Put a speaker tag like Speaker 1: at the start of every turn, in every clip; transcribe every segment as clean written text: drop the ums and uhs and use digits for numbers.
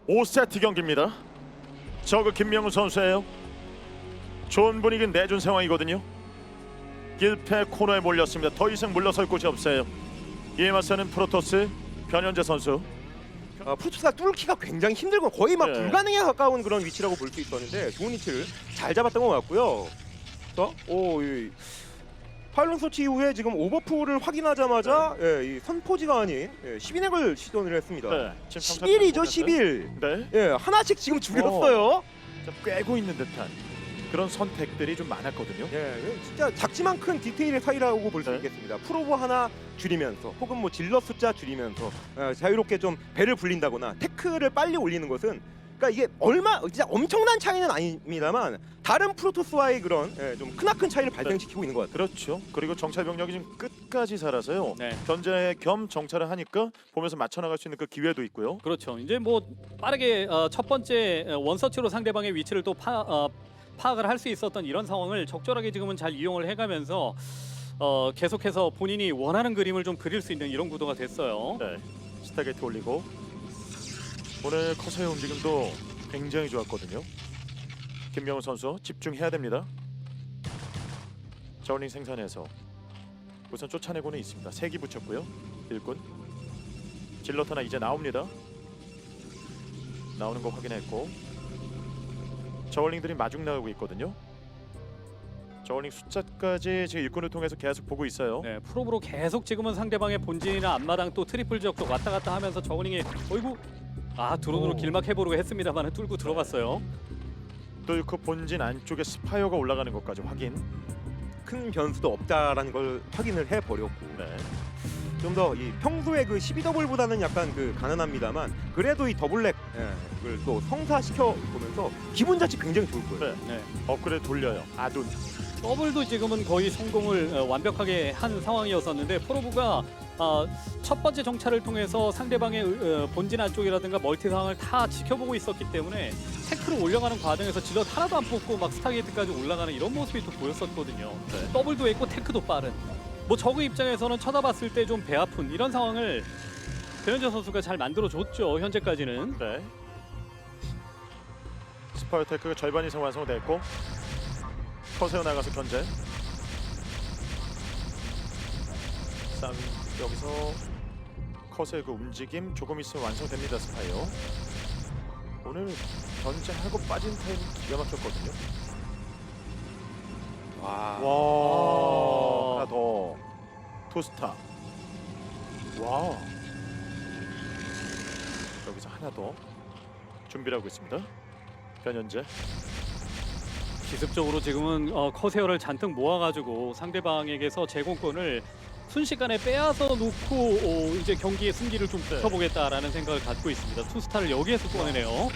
Speaker 1: 5세트 경기입니다. 저그 김명훈 선수예요. 좋은 분위기 내준 상황이거든요. 1패 코너에 몰렸습니다. 더 이상 물러설 곳이 없어요. 이에 맞서는 프로토스 변현재 선수.
Speaker 2: 프로토스가 뚫기가 굉장히 힘들고 거의 막
Speaker 1: 네.
Speaker 2: 불가능에 가까운 그런 위치라고 볼 수 있었는데 좋은 위치를 잘 잡았던 것 같고요. 자, 이 파일럿 설치 이후에 지금 오버풀을 확인하자마자 이 선포지가 아닌 12넥을 시도를 했습니다.
Speaker 1: 네, 지금
Speaker 2: 11이죠, 11.
Speaker 1: 네,
Speaker 2: 예, 하나씩 지금 줄였어요.
Speaker 1: 자, 꿰고 있는 듯한 그런 선택들이 좀 많았거든요.
Speaker 2: 예, 진짜 작지만 큰 디테일의 차이라고 볼 수
Speaker 1: 네.
Speaker 2: 있겠습니다. 프로브 하나 줄이면서 혹은 뭐 질럿 숫자 줄이면서 자유롭게 좀 배를 불린다거나 태클을 빨리 올리는 것은 그러니까 이게 진짜 엄청난 차이는 아닙니다만 다른 프로토스와의 그런 좀 크나큰 차이를 발생시키고 있는 것 같아요.
Speaker 1: 그렇죠. 그리고 정찰 병력이 지금 끝까지 살아서요.
Speaker 3: 네.
Speaker 1: 견제 겸 정찰을 하니까 보면서 맞춰 나갈 수 있는 그 기회도 있고요.
Speaker 3: 그렇죠. 이제 뭐 빠르게 첫 번째 원서치로 상대방의 위치를 또 파악을 할 수 있었던 이런 상황을 적절하게 지금은 잘 이용을 해가면서 계속해서 본인이 원하는 그림을 좀 그릴 수 있는 이런 구도가 됐어요.
Speaker 1: 네, 스타게이트 올리고 오늘 커서의 움직임도 굉장히 좋았거든요. 김명훈 선수 집중해야 됩니다. 저울링 생산해서 우선 쫓아내고는 있습니다. 3기 붙였고요. 일꾼 질럿 하나 이제 나옵니다. 나오는 거 확인했고 저울링들이 마중 나가고 있거든요. 저울링 숫자까지 지금 일꾼을 통해서 계속 보고 있어요.
Speaker 3: 네, 프로브로 계속 지금은 상대방의 본진이나 앞마당 또 트리플 지역도 왔다 갔다 하면서 저글링이 어이구 드론으로 길막해보려고 했습니다만 뚫고 들어갔어요.
Speaker 1: 또 그 본진 안쪽에 스파이어가 올라가는 것까지 확인.
Speaker 2: 큰 변수도 없다라는 걸 확인을 해버렸고
Speaker 1: 네.
Speaker 2: 좀 더 이 평소에 그 12더블보다는 약간 그 가난합니다만 그래도 이 더블렉을 또 성사시켜 보면서 기분 자체 굉장히 좋을 거예요.
Speaker 1: 네.
Speaker 3: 네.
Speaker 1: 업그레이드 돌려요. 아둔.
Speaker 3: 더블도 지금은 거의 성공을 완벽하게 한 상황이었었는데 프로브가 첫 번째 정찰을 통해서 상대방의 본진 안쪽이라든가 멀티 상황을 다 지켜보고 있었기 때문에 태클을 올려가는 과정에서 질럿 하나도 안 뽑고 막 스타게이트까지 올라가는 이런 모습이 또 보였었거든요.
Speaker 1: 네.
Speaker 3: 더블도 했고 테크도 빠른. 뭐 저그 입장에서는 쳐다봤을 때 좀 배 아픈 이런 상황을 변현재 선수가 잘 만들어줬죠. 현재까지는.
Speaker 1: 네. 스파이어 테크가 절반 이상 완성됐고 커세어 나가서 견제. 쌈 여기서 커세어 그 움직임 조금 있으면 완성됩니다. 스파이어. 오늘 견제하고 빠진 타임 기가 막혔거든요.
Speaker 2: 와.
Speaker 1: 와. 하나 더. 투스타. 와. 여기서 하나 더 준비를 하고 있습니다. 변현재.
Speaker 3: 기습적으로 지금은 커세어를 잔뜩 모아가지고 상대방에게서 제공권을 순식간에 빼앗아 놓고 이제 경기의 승기를 좀 붙여보겠다라는 생각을 갖고 있습니다. 투스타를 여기에서 꺼내네요.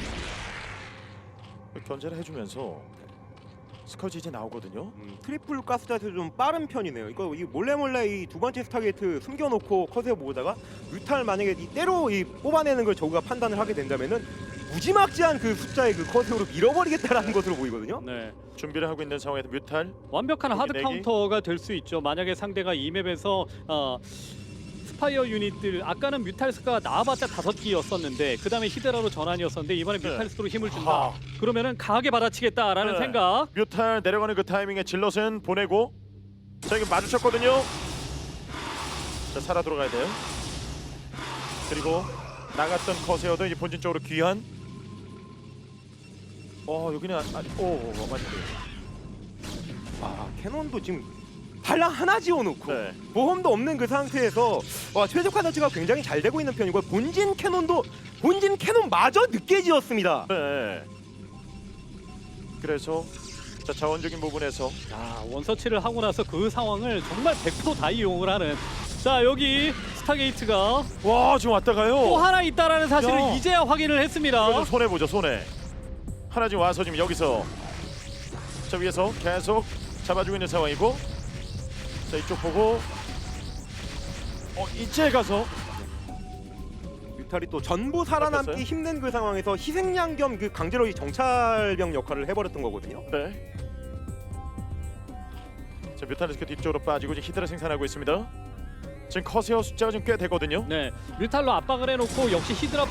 Speaker 1: 견제를 해주면서 스커지 이제 나오거든요.
Speaker 2: 트리플 가스다에서 좀 빠른 편이네요. 이거 이 몰래 이 두 번째 스타게이트 숨겨놓고 커세어 모으다가 뮤탈 만약에 이때로 뽑아내는 걸 저우가 판단을 하게 된다면은 무지막지한 그 숫자의 그 커세어로 밀어버리겠다라는 것으로 보이거든요.
Speaker 3: 네,
Speaker 1: 준비를 하고 있는 상황에서 뮤탈.
Speaker 3: 완벽한 하드
Speaker 1: 내기.
Speaker 3: 카운터가 될 수 있죠. 만약에 상대가 이 맵에서 스파이어 유닛들 아까는 뮤탈스가 나와봤자 5기였었는데 그 다음에 히드라로 전환이었었는데 이번에
Speaker 1: 네.
Speaker 3: 뮤탈스로 힘을 준다.
Speaker 1: 아.
Speaker 3: 그러면은 강하게 받아치겠다라는
Speaker 1: 네.
Speaker 3: 생각.
Speaker 1: 뮤탈 내려가는 그 타이밍에 질럿은 보내고 자 이게 마주쳤거든요. 자 살아 들어가야 돼요. 그리고 나갔던 커세어도 이제 본진 쪽으로 귀환. 여기는 맞네.
Speaker 2: 와, 캐논도 지금 발랑 하나 지어놓고
Speaker 1: 네.
Speaker 2: 보험도 없는 그 상태에서 최적화 자체가 굉장히 잘 되고 있는 편이고 본진 캐논마저 늦게 지었습니다.
Speaker 1: 네. 그래서 자 자원적인 부분에서
Speaker 3: 원서치를 하고 나서 그 상황을 정말 100%다 이용을 하는. 자 여기 스타게이트가
Speaker 1: 와 지금 왔다가요.
Speaker 3: 또 하나 있다라는 사실을
Speaker 1: 야.
Speaker 3: 이제야 확인을 했습니다.
Speaker 1: 이거 좀 손해 보죠 손해. 하나 지금 와서 지금 여기서 자 위에서 계속 잡아주고 있는 상황이고 자 이쪽 보고 이제 가서
Speaker 2: 뮤탈이 또 전부 살아남기
Speaker 1: 잡혔어요?
Speaker 2: 힘든 그 상황에서 희생양 겸 그 강제로 이 정찰병 역할을 해버렸던 거거든요.
Speaker 1: 네. 자 뮤탈리스크 뒤쪽으로 빠지고 지금 히드라 생산하고 있습니다. 지금 커세어 숫자가 좀 꽤 되거든요.
Speaker 3: 네, 뮤탈로 압박을 해놓고 역시 히드라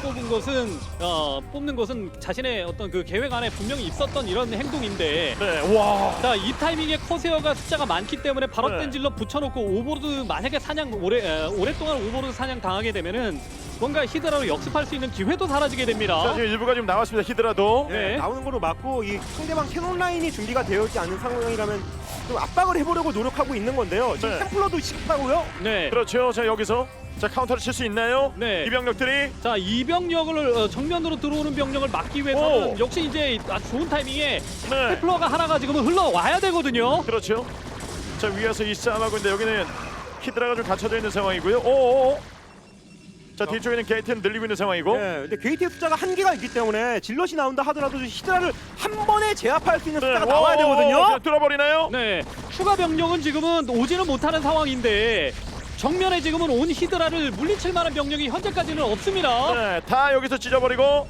Speaker 3: 뽑는 것은 자신의 어떤 그 계획 안에 분명히 있었던 이런 행동인데.
Speaker 1: 네, 와.
Speaker 3: 자, 이 타이밍에 커세어가 숫자가 많기 때문에 바로
Speaker 1: 네.
Speaker 3: 된 질러 붙여놓고 오버로드 만약에 사냥 오랫동안 오버로드 사냥 당하게 되면은 뭔가 히드라로 역습할 수 있는 기회도 사라지게
Speaker 1: 자,
Speaker 3: 됩니다.
Speaker 1: 지금 일부가 좀 나왔습니다. 히드라도.
Speaker 3: 네.
Speaker 2: 나오는 거로 맞고 이 상대방 캐논 라인이 준비가 되어 있지 않은 상황이라면 좀 압박을 해보려고 노력하고 있는 건데요. 지금
Speaker 1: 네.
Speaker 2: 템플러도 쉽다고요?
Speaker 3: 네.
Speaker 1: 그렇죠. 자, 여기서 자 카운터를 칠 수 있나요?
Speaker 3: 네.
Speaker 1: 이 병력들이
Speaker 3: 자, 이 병력을 정면으로 들어오는 병력을 막기 위해서는
Speaker 1: 오.
Speaker 3: 역시 이제 아주 좋은 타이밍에
Speaker 1: 네.
Speaker 3: 테플러가 하나가 지금은 흘러와야 되거든요.
Speaker 1: 그렇죠. 자, 위에서 이 싸움하고 있는데 여기는 히드라가 좀 갇혀져 있는 상황이고요. 오. 자, 뒤쪽에는 게이트는 늘리고 있는 상황이고.
Speaker 2: 네, 근데 게이트의 숫자가 한계가 있기 때문에 질럿이 나온다 하더라도 히드라를 한 번에 제압할 수 있는 숫자가 나와야 되거든요.
Speaker 1: 그냥 뚫어버리나요?
Speaker 3: 네, 추가 병력은 지금은 오지는 못하는 상황인데 정면에 지금은 온 히드라를 물리칠 만한 병력이 현재까지는 없습니다.
Speaker 1: 네, 다 여기서 찢어버리고.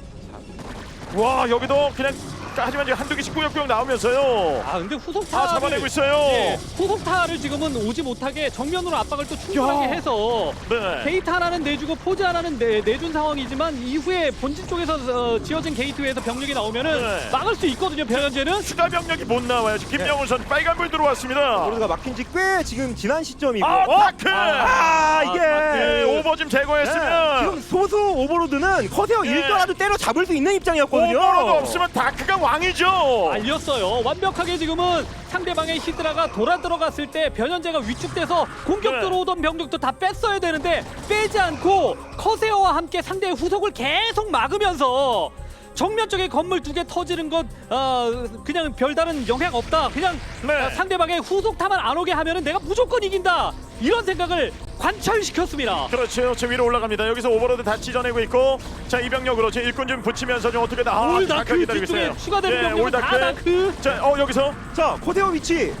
Speaker 1: 와, 여기도 그냥 하지만 지금 한두 개씩 꾸역꾸역 나오면서요.
Speaker 3: 아, 근데
Speaker 1: 다
Speaker 3: 후속타를
Speaker 1: 잡아내고 있어요.
Speaker 3: 네, 후속타를 지금은 오지 못하게 정면으로 압박을 또 충분하게
Speaker 1: 야.
Speaker 3: 해서
Speaker 1: 네.
Speaker 3: 게이트 하나는 내주고 포즈 하나는 내준 상황이지만 이후에 본진 쪽에서 지어진 게이트에서 병력이 나오면은
Speaker 1: 네.
Speaker 3: 막을 수 있거든요. 변현재는.
Speaker 1: 추가 병력이 못 나와요. 지금 김명훈 선수 빨간불 들어왔습니다.
Speaker 2: 오버로드가 막힌 지 꽤 지금 지난 시점이고.
Speaker 1: 다크!
Speaker 2: 이게
Speaker 1: 네, 오버 좀 제거했으면
Speaker 2: 지금 소수 오버로드는 커세어
Speaker 1: 네.
Speaker 2: 1도라도 때려 잡을 수 있는 입장이었거든요.
Speaker 1: 오버로드 없으면 다크가 왕이죠.
Speaker 3: 알렸어요. 완벽하게 지금은 상대방의 히드라가 돌아 들어갔을 때 변현재가 위축돼서 공격
Speaker 1: 네.
Speaker 3: 들어오던 병력도 다 뺐어야 되는데 빼지 않고 커세어와 함께 상대의 후속을 계속 막으면서 정면 쪽에 건물 2개 터지는 것 그냥 별다른 영향 없다. 그냥
Speaker 1: 네.
Speaker 3: 상대방의 후속타만 안 오게 하면은 내가 무조건 이긴다. 이런 생각을 관철시켰습니다.
Speaker 1: 그렇죠. 저 위로 올라갑니다. 여기서 오버로드 다 찢어내고 있고, 자 이병력으로 제 일꾼 좀 붙이면서 좀 어떻게 다
Speaker 3: 올다크
Speaker 1: 기다리고
Speaker 3: 뒤쪽에
Speaker 1: 있어요.
Speaker 3: 추가되는 병력은 다 다크.
Speaker 1: 자, 여기서
Speaker 2: 자, 커세어 위치.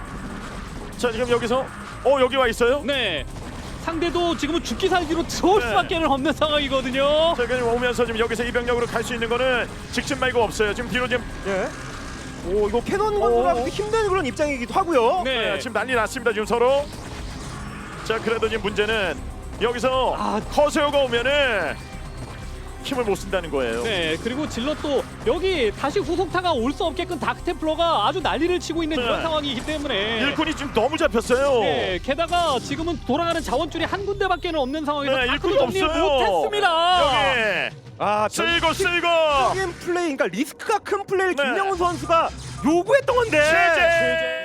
Speaker 1: 자 지금 여기서 여기 와 있어요.
Speaker 3: 네. 상대도 지금은 죽기 살기로 들어올
Speaker 1: 네.
Speaker 3: 수밖에 없는 상황이거든요.
Speaker 1: 자 그냥 오면서 지금 여기서 이병력으로 갈 수 있는 거는 직진 말고 없어요. 지금 뒤로 지금
Speaker 2: 예. 오, 이거 캐논 건설하기 힘든 그런 입장이기도 하고요.
Speaker 3: 네.
Speaker 1: 지금 난리 났습니다. 지금 서로. 자 그래도 지금 문제는 여기서
Speaker 3: 아.
Speaker 1: 커세어가 오면은 힘을 못 쓴다는 거예요.
Speaker 3: 네, 그리고 질럿도 여기 다시 후속타가 올 수 없게끔 다크템플러가 아주 난리를 치고 있는
Speaker 1: 네.
Speaker 3: 이런 상황이기 때문에
Speaker 1: 일꾼이 지금 너무 잡혔어요.
Speaker 3: 네, 게다가 지금은 돌아가는 자원줄이 한 군데밖에 없는 상황에서
Speaker 1: 네,
Speaker 3: 다크도
Speaker 1: 일꾼이
Speaker 3: 정리를
Speaker 1: 없어요.
Speaker 3: 못했습니다.
Speaker 1: 여기
Speaker 2: 아,
Speaker 1: 쓸고
Speaker 2: 적인 플레이, 그러니까 리스크가 큰 플레이를
Speaker 1: 네.
Speaker 2: 김명훈 선수가 요구했던 건데.
Speaker 1: 최재.